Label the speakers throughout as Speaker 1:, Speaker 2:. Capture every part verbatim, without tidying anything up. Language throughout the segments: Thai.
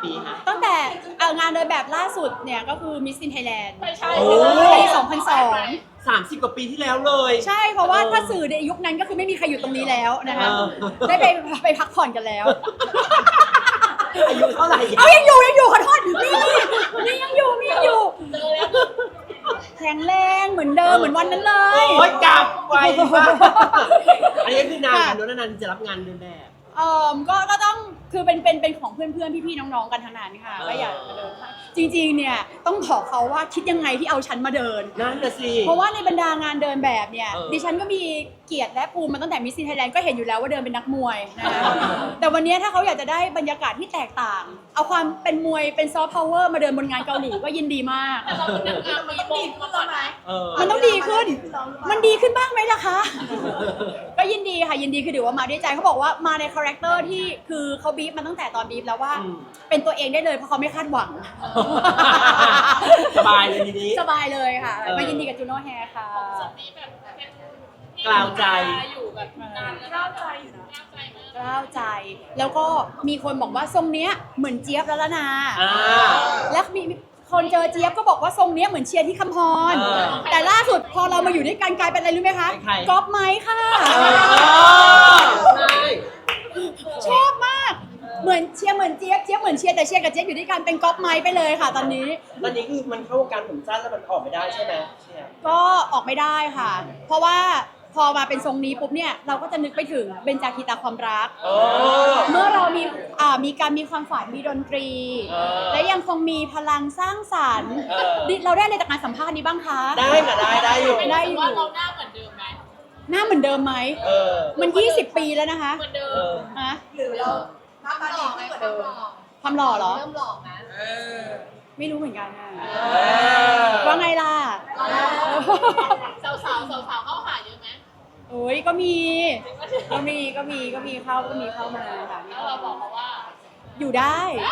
Speaker 1: ปีฮะ
Speaker 2: ตั้งแต่เอางานเดินแบบล่าสุดเนี่ยก็คือ Miss in Thailand
Speaker 3: ไม่ใช่
Speaker 1: โอ้
Speaker 2: ปีสองพันสอง
Speaker 1: สามสิบกว่าปีที่แล้วเลย
Speaker 2: ใช่เพราะว่าถ้าสื่อในยุคนั้นก็คือไม่มีใครอยู่ตรงนี้แล้วนะคะ
Speaker 1: เออ
Speaker 2: ได้ไปไปพักผ่อนกันแล้ว
Speaker 1: อายุเท่าไหร่
Speaker 2: เอายังอยู่ยังอยู่ขอโทษนี่นี่ยังอยู่มียังอยู่
Speaker 3: เจอแล้ว
Speaker 2: แข็งแรงเหมือนเดิมเหมือนวันนั้นเลย
Speaker 1: โอ้ยกลับไวมากอันนี้คือนานกันนานๆจะรับงานเดินแบบ
Speaker 2: เอ่อก็ก็ต้องคือเป็นเป็นเป็นของเพื่อนๆพี่ๆน้องๆกันทั้งนั้นค่ะ
Speaker 1: เออ
Speaker 2: ก็อยากมาเดินค่ะจริงๆเนี่ยต้องบอกเขาว่าคิดยังไงที่เอาฉันมาเดิน
Speaker 1: นั่นน่ะสิ
Speaker 2: เพราะว่าในบรรดางานเดินแบบเนี่ย
Speaker 1: เออ
Speaker 2: ดิฉันก็มีเกียรติและภูมิมาตั้งแต่มิสซินไทยแลนด์ก็เห็นอยู่แล้วว่าเดินเป็นนักมวยนะคะแต่วันนี้ถ้าเขาอยากจะได้บรรยากาศที่แตกต่าง เอาความเป็นมวยเป็นซอฟต์พาวเวอร์มาเดินบนงานเกาหลีก็ยินดีมาก
Speaker 3: แต่เราเป็นนางงามมีโบกมาก่อนไหม
Speaker 1: เออ
Speaker 2: มันต้องดีขึ้น มันดีขึ้นบ้างไหมล่ะคะ ก็ยินดีค่ะยินดีคือถือว่ามาด้วยใจเขาบอกว่ามาในคาแรคเตอร์ที่คือเขาบีบมาตั้งแต่ตอนบีบแล้วว่า
Speaker 1: อืม
Speaker 2: เป็นตัวเองได้เลยเพราะเขาไม่คาดหวัง
Speaker 1: สบายเลยทีนี้
Speaker 2: สบายเลยค่ะ
Speaker 1: เออ
Speaker 2: มายินดีกับจูโน่แฮร์ค่ะ
Speaker 3: สมีแบบเป็น
Speaker 1: กล่าวใจ
Speaker 3: อยู่แบบนานแล้วกล้าวใจอยู่นะกล้าวใจมาก
Speaker 2: กล้าวใจ แล้วก็มีคนบอกว่าทรงเนี้ยเหมือนเจี๊ยบแล้วละนา
Speaker 1: อ่า
Speaker 2: แล้วมีคนเจอเจี๊ยบก็บอกว่าทรงเนี้ยเหมือนเชียร์ที่คำพร
Speaker 1: เออ
Speaker 2: แต่ล่าสุดพอเรามาอยู่ด้วยกันกลายเป็นอะไรรู้ไหมคะ
Speaker 1: เป็นใคร
Speaker 2: ก๊อปไม้ค่ะ
Speaker 1: ใช่
Speaker 2: ชอบมาก เหมือนเชียร์เหมือนเจี๊ยบเจี๊ยบเหมือนเชียร์แต่เชียร์กับเจี๊ยบอยู่ด้วยกันเป็นก๊อปไม้ไปเลยค่ะ ตอนนี้
Speaker 1: ตอนนี้คือมันเข้าวงการผมสั้นแล้วมันออกไม่ได้ใช่ไหมเชียร์
Speaker 2: ก็ออกไม่ได้ค่ะ เพราะว่าพอมาเป็นทรงนี้ปุ๊บเนี่ยเราก็จะนึกไปถึงเบญจาคีตาความรัก
Speaker 1: โอ้
Speaker 2: เมื่อเรามีอ่ามีการมีความฝันมีดนตรี
Speaker 1: เออ
Speaker 2: และยังคงมีพลังสร้างสรรค์
Speaker 1: เออ
Speaker 2: ดิเราได้อะไรจากการสัมภาษณ์นี้บ้างคะ
Speaker 1: ได้ค่ะได้ได้อยู่
Speaker 3: ไม่ได้ว่าเราหน้าเหมือนเดิมไหม
Speaker 2: หน้าเหมือนเดิมไหม
Speaker 1: เออ
Speaker 2: มันยี่สิบปีแล้วนะคะ
Speaker 3: เหมือนเดิ
Speaker 1: เอ
Speaker 3: ม
Speaker 1: อ
Speaker 2: ฮะ
Speaker 4: หรือเราหน้าตาดีขึ้นกว่าเดิม
Speaker 2: ความหล่อเหรอ
Speaker 4: เริ่มหล่อนะ
Speaker 2: ไม่รู้เหมือนกันอะ
Speaker 1: อ
Speaker 2: ว่าไงล่ะ
Speaker 3: สาวสาวสาวสาวๆเข้าหาเยอะไหม
Speaker 2: โอ้ยก็มี ก็มีก็มีก็มีเข้าก็มีเข้ามาค่ะมี
Speaker 3: แล้ว
Speaker 2: เข้า
Speaker 3: เราบ
Speaker 2: มา
Speaker 3: อกเขาว่า
Speaker 2: อยู่ได้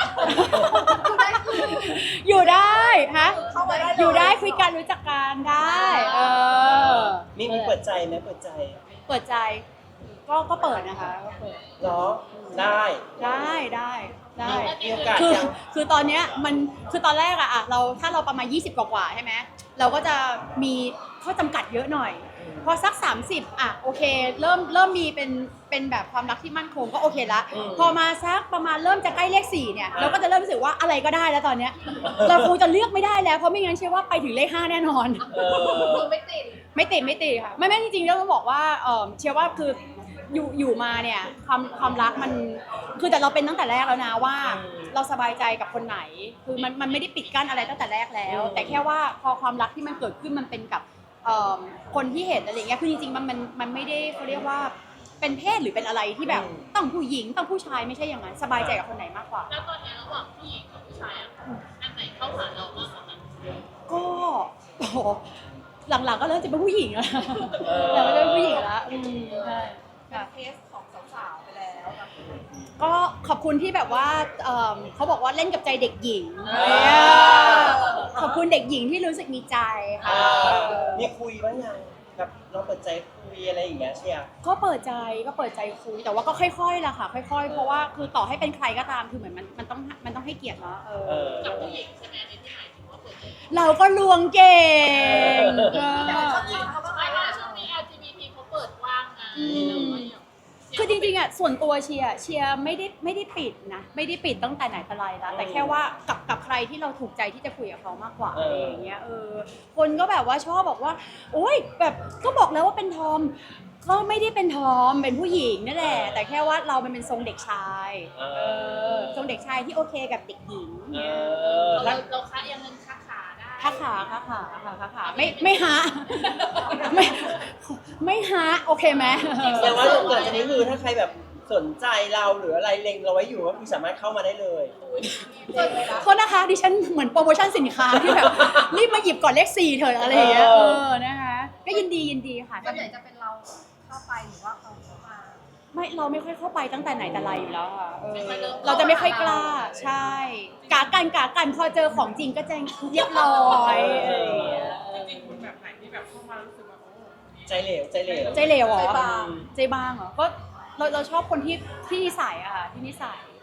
Speaker 2: อยู่ได้ฮะ
Speaker 4: เข้ามาได้เลย
Speaker 2: อยู่ได้คุยกันรู้จักกันได้ เออ
Speaker 1: มีมีเปิดใจไหมเปิดใจ
Speaker 2: เปิดใจ ก็ก็เปิดนะคะก็เปิด
Speaker 1: เหรอ ได้
Speaker 2: ได้ได้ได้
Speaker 1: มีโอกาส
Speaker 2: คือ
Speaker 1: ยัง
Speaker 2: คือตอนเนี้ยมันคือตอนแรกอะอะเราถ้าเราประมาณยี่สิบกว่าๆใช่ไหมเราก็จะมีข้อจำกัดเยอะหน่อย พอสักสามสิบอะโอเค เริ่มเริ่มมีเป็นเป็นแบบความรักที่มั่นคงก็โอเคละ
Speaker 1: อืม
Speaker 2: พอมาสักประมาณเริ่มจะใกล้เลขสี่เนี่ย
Speaker 1: อ่า
Speaker 2: เราก็จะเริ่มรู้สึกว่าอะไรก็ได้แล้วตอนเนี้ยเราคงจะเลือกไม่ได้แล้วเพราะไม่งั้นเชื่อว่าไปถึงเลขห้าแน่นอน
Speaker 1: เออ
Speaker 4: ไม่ติด
Speaker 2: ไม่ติดไม่ติดค่ะไม่ไม่จริงๆแล้วต้องบอกว่าเออเชื่อว่าคืออยู่อยู่มาเนี่ยความความรักมันคือแต่เราเป็นตั้งแต่แรกแล้วนะว่า
Speaker 1: อืม
Speaker 2: เราสบายใจกับคนไหน คือมันมันไม่ได้ปิดกั้นอะไรตั้งแต่แรกแล้ว
Speaker 1: อืม
Speaker 2: แต่แค่ว่าพอความรักที่มันเกิดขึ้นมันเป็นกับเอ่อคนที่เห็นอะไรเงี้ยคือจริงๆมันมันมันไม่ได้เขาเรียกว่าเป็นเพศหรือเป็นอะไรที่แบบต้องผู้หญิงต้องผู้ชายไม่ใช่อย่างนั้นสบายใจกับคนไหนมากกว่า
Speaker 3: แล้วตอนนี้ระหว่างผู้หญิงกับผู้ชายอะอันไหนเข้าหาเรามากกว่ากัน
Speaker 2: ก็โอ้โหหลังๆก็เริ่มจะเป็นผู้หญิงแล้ว
Speaker 1: เออ
Speaker 2: หลังๆก็จะเป็นผู้หญิงแล้วอืมใช่
Speaker 4: เป็น
Speaker 2: ค่ะ
Speaker 4: เคสของสาวๆไปแล้ว
Speaker 2: ก็ขอบคุณที่แบบว่าเอิ่มเขาบอกว่าเล่นกับใจเด็กหญิง
Speaker 1: อ่า
Speaker 2: เนี่ยขอบคุณเด็กหญิงที่รู้สึกมีใจ
Speaker 1: เอ
Speaker 2: ค่ะ
Speaker 1: อมีคุยบ้างยังแบบเราเปิดใจคุยอะไรอย่างเงี้ยเชียร์
Speaker 2: ก็เปิดใจก็เปิดใจคุยแต่ว่าก็ค่อยๆล่ะค่ะ ค่อย ๆ เพราะว่าคือต่อให้เป็นใครก็ตามคือเหมือนมันมันต้องมันต้องให้เกียรติเนาะเออ
Speaker 1: เออ
Speaker 3: กับผู้หญิงใช่ไหมในที่หมายถึงว่าเปิดใจ
Speaker 2: เราก็ลวงเก่ง
Speaker 1: เออ
Speaker 2: ก็
Speaker 4: เขาจีบเขาบ้างไหม
Speaker 3: ไม่ว่าช่วงนี้ แอล จี บี ที เขาเปิดกว้างไงเราก็ยัง
Speaker 2: คือจริงๆอ่ะส่วนตัวเชียร์เชียร์ไม่ได้ไม่ได้ปิดนะไม่ได้ปิดตั้งแต่ไหนแต่ไรแล้วแต่แค่ว่ากับกับใครที่เราถูกใจที่จะคุยกับเขามากกว่า
Speaker 1: เอ
Speaker 2: อะไร
Speaker 1: ออ
Speaker 2: อย่างเงี้ยเออคนก็แบบว่าชอบบอกว่าโอ๊ยแบบก็บอกแล้วว่าเป็นทอมก็ไม่ได้เป็นทอมเป็นผู้หญิงนั่นแหละ แต่แค่ว่าเรามันเป็นทรงเด็กชาย
Speaker 1: เอ
Speaker 2: เอ
Speaker 1: อ
Speaker 2: อทรงเด็กชายที่โอเคกับเด็กหญิง
Speaker 1: เอ
Speaker 2: เนี่ย
Speaker 1: อ
Speaker 3: เรา
Speaker 1: แล้ว
Speaker 3: เราค้ายังเงินค้าขาได้
Speaker 2: ค้าขาค้าขาค่ะค้าขาไม่ไม่หาไม่ไม่หาโอเคไหม
Speaker 1: แสดงว่าหลังจากนี้คือถ้าใครแบบสนใจเราหรืออะไรเล็งเราไว้อยู่ก็คือสามารถเข้ามาได้เลย
Speaker 2: โทษนะคะดิฉันเหมือนโปรโมชั่นสินค้าที่แบบรีบมาหยิบก่อนเลขสี่เถอะอะไรอย่างเงี้ย
Speaker 1: เอ
Speaker 2: เอ
Speaker 1: อ
Speaker 2: อนะคะก็ยินดียินดีค่ะ
Speaker 4: ส่วนใหญ่จะเป็นเราเข้าไปหรือว่าเขาเข้ามา
Speaker 2: ไม่เราไม่ค่อยเข้าไปตั้งแต่ไหนแต่ไรอยู่แล้วค่ะเออ
Speaker 3: ไม่ค่อยเริ่ม
Speaker 2: เราจะไม่ค่อยกล้าใช่กากันกากันพอเจอของจริงก็จะเรียบร้อยอะไรอย่างเงี้ย
Speaker 5: จริงๆคุณแบบไหนที่แบบเข้ามารู้สึกว่าโอ้
Speaker 1: ใจเหลวใจเหลว
Speaker 2: ใจเหลวเหรอ
Speaker 4: ใจบาง
Speaker 2: ใจบางเหรอก็เราเราชอบคนที่ที่นิสัยอะค่ะที่นิสัยแบบเห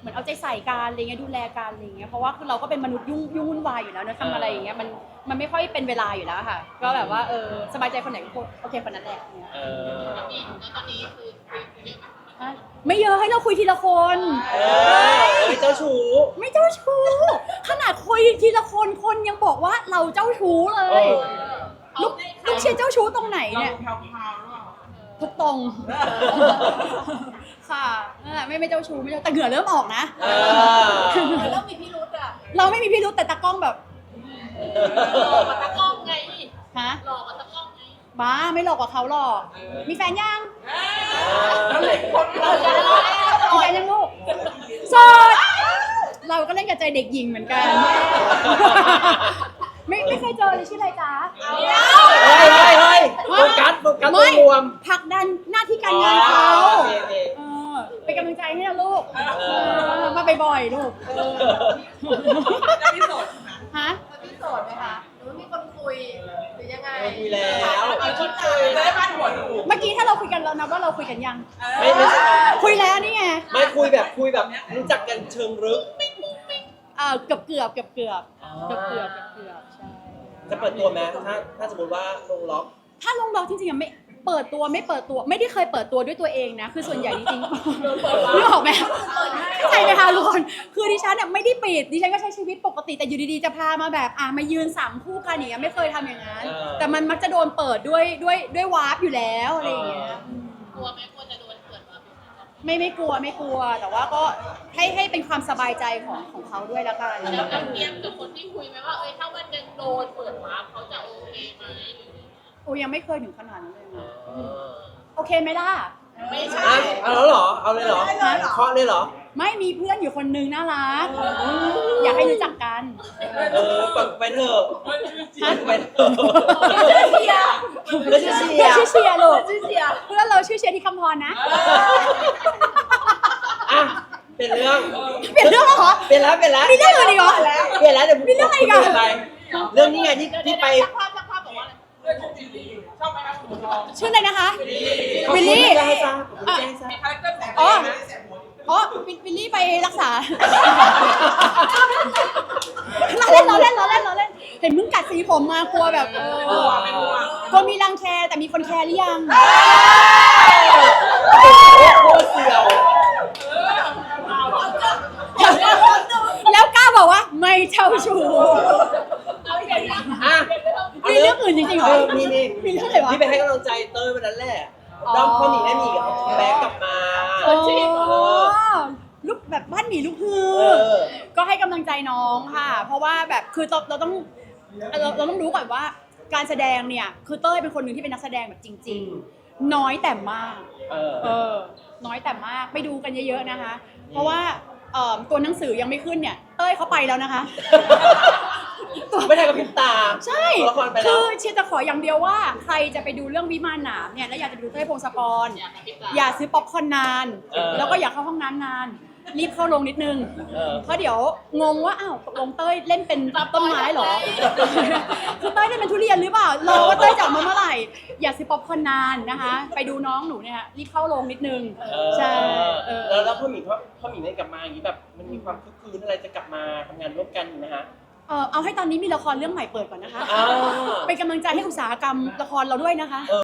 Speaker 2: มือนเอาใจใส่กันอะไรเงี้ยดูแลกันอะไรเงี้ยเพราะว่าคือเราก็เป็นมนุษย์ยุ่งยุ่งวุ่นวายอยู่แล้วเนอะทำอะไรอย่างเงี้ยมันมันไม่ค่อยเป็นเวลาอยู่แล้วค่ะก็แบบว่าเออสบายใจคนไหนก็โอเคคนนั้นแหละเนี่ย
Speaker 1: เออ
Speaker 3: แล้วนี่แล้วตอนนี้คือคุยคุยเยอะไหม
Speaker 2: ฮะไม่เยอะให้เราคุยทีละคน
Speaker 1: เออเอ้ยเจ้าชู้
Speaker 2: ไม่เจ้าชู้ขนาดคุยทีละคนคนยังบอกว่าเราเจ้าชู้เล
Speaker 1: เอย อ
Speaker 2: ลูกลูกเชียร์เจ้าชู้ตรงไหน
Speaker 5: เรา
Speaker 2: เนี่ย
Speaker 5: แพรวๆหรือเปล่า
Speaker 2: ทุกตรง ค่ะนั่นแหละไม่ไม่เจ้าชู้ไม่เจ้าแต่เหงื่อเริ่มออกนะ
Speaker 1: เออ
Speaker 4: แล้วมีพี่รุธอ่ะ
Speaker 2: เราไม่มีพิรุธแต่ตากล้องแบบ
Speaker 3: หลอกกับตะกล้องไง
Speaker 2: ฮะ
Speaker 3: หลอกกับตะกล้องไง
Speaker 2: บ้าไม่หลอกกว่าเขาหรอก มีแฟนยัง
Speaker 5: แล้วเหล็กคนเราจะ
Speaker 2: มีแฟนยังลูกโสดเราก็เล่นกับใจเด็กหญิงเหมือนกัน ไม่ไม่เคยเจอเลยชื่ออะไรจ๊ะ
Speaker 1: เฮ้ยเฮ้ยเฮ้ยโฟกัสโฟกัสตัวรวม
Speaker 2: ผลักดันหน้าที่การงานเขา
Speaker 1: อ๋อโอเคโอเค
Speaker 2: เออเป็นกำลังใจให้นะลูกเออมาบ่อยๆลูกเออ
Speaker 5: จะมีโสดใช่ไหม
Speaker 2: ฮะ
Speaker 4: แล้วพี่โสดไหมคะหรือว่ามีคนคุยหรือยังไง
Speaker 1: คุยแล้ว
Speaker 5: เอาคิดเลยจะได้บ้านหัวดู
Speaker 2: เมื่อกี้ถ้าเราคุยกันเรานับว่าเราคุยกันยัง
Speaker 1: ไม่ไม่ใช่
Speaker 2: คุยแล้วนี่ไง
Speaker 1: ไม่คุยแบบคุยแบบรู้จักกันเชิงลึก
Speaker 2: เออเกือบเกือบเกือบเกือบ
Speaker 1: อ๋อ
Speaker 2: เกือบเกือบเกือบเกือบใช่
Speaker 1: จะเปิดตัวไหมถ้าถ้าสมมติว่าลงล็อก
Speaker 2: ถ้าลงดอกจริงๆอะไม่เปิดตัวไม่เปิดตัวไม่ได้เคยเปิดตัวด้วยตัวเองนะคือส่วนใหญ่จริงๆนึกออกไหมเข้าใจไหมคะทุกคนคือดิฉันเนี่ยไม่ได้ปิดดิฉันก็ใช้ชีวิตปกติแต่อยู่ดีๆจะพามาแบบอ่ะมายืนสามคู่กันอย่างเงี้ยไม่เคยทำอย่างนั้น
Speaker 1: เออ
Speaker 2: แต่มันมักจะโดนเปิดด้วยด้วยด้วยวาร์ปอยู่แล้วอะไรอย่างเงี้ย
Speaker 3: กลัวไหมกลัวจะโดนเปิดมา
Speaker 2: ไม่ไม่กลัวไม่กลัว แต่ว่าก็ให้ให้เป็นความสบายใจของของเขาด้วยละกัน
Speaker 3: แล้วเราเตรียมกับคนที่คุยไหมว่าเอ้ยถ้าวันหนึงโดนเปิดวาร์ปเขาจะโอเคไหมหรือ
Speaker 2: โอ้ยังไม่เคยถึงขนาดนั้นเลยนะ
Speaker 1: เออ
Speaker 2: โอเคไหมล่ะ
Speaker 3: ไม่ใช่
Speaker 1: อ่ะเอาแล้วเหรอ เอาเลยเหรอเคาะเลยเหรอ
Speaker 2: ไม่มีเพื่อนอยู่คนนึงน่ารักอยากให้รู้จักกัน
Speaker 1: เออเปิดไปเถอะ
Speaker 2: ฮะ
Speaker 1: เปิดไปเถอะ
Speaker 2: เชียร์
Speaker 1: แล้วชื่อเชีย
Speaker 2: เพื่อน
Speaker 1: ร์
Speaker 2: ชื่อเชียร์ลูก
Speaker 4: ชื่อเสีย
Speaker 2: เพื่อนเราชื่อเชียร์ที่คำพรนะ
Speaker 1: อ่ะเป็นเรื่อง
Speaker 2: เปลี่ยนเรื่องแล้วเหรอ
Speaker 1: เป็นแล้วเป็นแล้ว
Speaker 2: มีเรื่องอื่นอีกเหรอ
Speaker 1: เปลี่ยนแล้วเดี๋ยว
Speaker 2: มีเรื่องอะไรอีกอะ
Speaker 1: ปลี่ยนไปเรื่องนี้ไงที่ที่ไป
Speaker 3: ช่างภาพช่างภาพบอกว่าอะไร
Speaker 5: เพื่อนชื่อวิลลี่ชอบไหมครับคุณทอง
Speaker 2: ชื่ออะไรนะคะ
Speaker 1: ขอบ
Speaker 2: วิ
Speaker 1: คุณ
Speaker 2: ลลี่
Speaker 1: ที่ให้ทราบขอบคุณที่ให้ทราบ
Speaker 5: มีคาแรคเตอร์ของ
Speaker 2: อ๋
Speaker 5: ตัว
Speaker 2: อ
Speaker 5: เองนะเสียหัว
Speaker 2: อ๋อวิวิลลี่ไปรักษาล้อเล่นล้อเล่นล้อเล่นล้อเล่น เห็นมึงกัดสีผมมากลัวแบบเออก
Speaker 5: ลัวไม่กลัว
Speaker 2: กลัวมีรังแคแต่มีคนแคร์หรือยัง
Speaker 1: โคตรเสียว
Speaker 2: แล้วกล้าบอกว่าไม่เจ้าชู้
Speaker 3: เอาอย่างนี้
Speaker 1: อ่ะ
Speaker 2: มีเรื่องอื่นจริงๆเหร
Speaker 1: เอ
Speaker 2: อ
Speaker 1: อมีนี่
Speaker 2: มีเรื่องอะไรวะ
Speaker 1: ที่ไปให้กำลังใจเต้ยวันนั้นแหละ
Speaker 2: อ๋อ
Speaker 1: ด้อมพ่อหมีแม่หมีกับเขาแบ็กกลับมา
Speaker 2: อ๋อลูกแบบบ้านหมีลูกฮื
Speaker 1: เอ
Speaker 2: อ
Speaker 1: อ
Speaker 2: ก็ให้กำลังใจน้องค่ะ เพราะว่าแบบคือเราเราต้องเราเราต้องรู้ก่อนว่าการแสดงเนี่ยคือเต้ยเป็นคนหนึ่งที่เป็นนักแสดงแบบจริง ๆ น้อยแต่มาก
Speaker 1: เออ
Speaker 2: เออ น้อยแต่มากไปดูกันเยอะๆนะคะ เพราะว่าเอ่อตัวหนังสือยังไม่ขึ้นเนี่ย เต้ยเขาไปแล้วนะคะ ตัว
Speaker 1: ไม่ได้กับพริบตา
Speaker 2: ใช่
Speaker 1: ตัวละครไปแล้
Speaker 2: คื
Speaker 1: ว
Speaker 2: อเชียร์จะขออย่างเดียวว่าใครจะไปดูเรื่องวิมานหนามเนี่ยแล้วอยากจะไปดูเต้ยพงศกร
Speaker 3: อยากกระพริบตา
Speaker 2: อย่าซื้อป๊อปคอร์นนาน
Speaker 1: เออ
Speaker 2: แล้วก็อย่าเข้าห้องน้ำนาน รีบเข้าลงนิดนึง
Speaker 1: เออ
Speaker 2: เพราะเดี๋ยวงงว่าอ้าวตกลงเต้ยเล่นเป็นต้นไม้เหรอ คือเต้ยเล่นเป็นทุเรียนหรือเปล่ารอว่าเต้ยจะออกมาเมื่อไหร่ อย่าซื้อป๊อปคอร์นนานนะคะ ไปดูน้องหนูเนี่ยรีบเข้าลงนิดนึง
Speaker 1: เออ
Speaker 2: ใช่เออ
Speaker 1: แล้วแล้วพ่อหมีพ่อพ่อหมีได้กลับมาอย่างนี้แบบมันมีความคึกคืนอะไรจะกลับมาทำงานร่วมกันอยู่นะฮะ
Speaker 2: เออเอาให้ตอนนี้มีละครเรื่องใหม่เปิดก่อนนะคะ
Speaker 1: อ่า
Speaker 2: เป็นกำลังใจให้อุตสาหกรรมละครเราด้วยนะคะ